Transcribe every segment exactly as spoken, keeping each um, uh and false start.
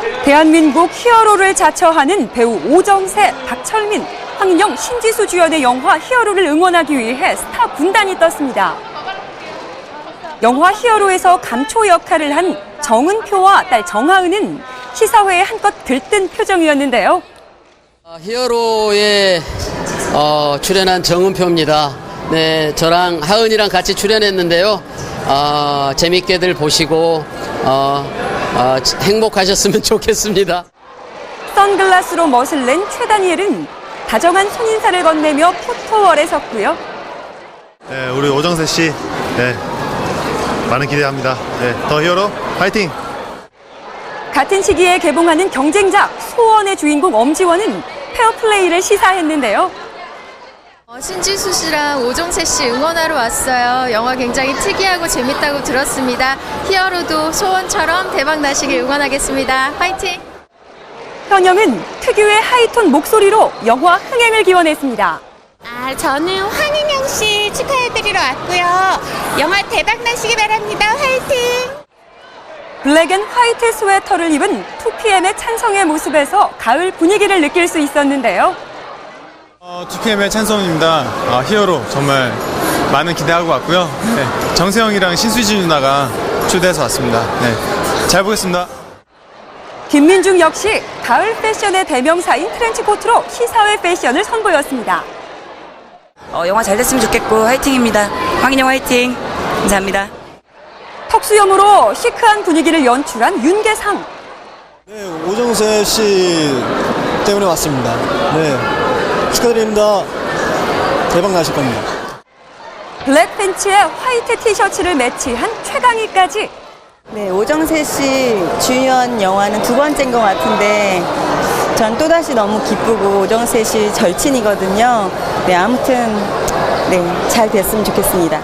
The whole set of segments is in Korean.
대한민국 히어로를 자처하는 배우 오정세, 박철민, 황인영, 신지수 주연의 영화 히어로를 응원하기 위해 스타 군단이 떴습니다. 영화 히어로에서 감초 역할을 한 정은표와 딸 정하은은 시사회에 한껏 들뜬 표정이었는데요. 히어로에 어, 출연한 정은표입니다. 네, 저랑 하은이랑 같이 출연했는데요. 어, 재밌게들 보시고 어, 어, 행복하셨으면 좋겠습니다. 선글라스로 멋을 낸 최다니엘은 다정한 손인사를 건네며 포토월에 섰고요. 네, 우리 오정세 씨, 네, 많은 기대합니다. 네, 더 히어로 파이팅! 같은 시기에 개봉하는 경쟁작 소원의 주인공 엄지원은 페어플레이를 시사했는데요. 어, 신지수 씨랑 오정세 씨 응원하러 왔어요. 영화 굉장히 특이하고 재밌다고 들었습니다. 히어로도 소원처럼 대박 나시길 응원하겠습니다. 화이팅! 현영은 특유의 하이톤 목소리로 영화 흥행을 기원했습니다. 아, 저는 황인영 씨 축하해드리러 왔고요. 영화 대박 나시기 바랍니다. 화이팅! 블랙 앤 화이트 스웨터를 입은 투피엠의 찬성의 모습에서 가을 분위기를 느낄 수 있었는데요. 어, 투피엠의 찬성입니다. 어, 히어로 정말 많은 기대하고 왔고요. 네, 정세영이랑 신수지 누나가 초대해서 왔습니다. 네, 잘 보겠습니다. 김민중 역시 가을 패션의 대명사인 트렌치코트로 시사회 패션을 선보였습니다. 어, 영화 잘 됐으면 좋겠고 화이팅입니다. 황인영 화이팅. 감사합니다. 턱수염으로 시크한 분위기를 연출한 윤계상. 네, 오정세 씨 때문에 왔습니다. 네, 축하드립니다. 대박 나실 겁니다. 블랙 팬츠에 화이트 티셔츠를 매치한 최강희까지. 네, 오정세 씨 주연 영화는 두 번째인 것 같은데 전 또다시 너무 기쁘고 오정세 씨 절친이거든요. 네, 아무튼 네, 잘 됐으면 좋겠습니다.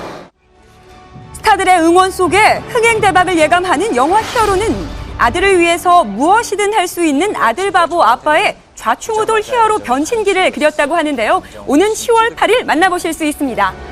스타들의 응원 속에 흥행 대박을 예감하는 영화 히어로는 아들을 위해서 무엇이든 할 수 있는 아들 바보 아빠의 좌충우돌 히어로 변신기를 그렸다고 하는데요. 오는 시월 팔일 만나보실 수 있습니다.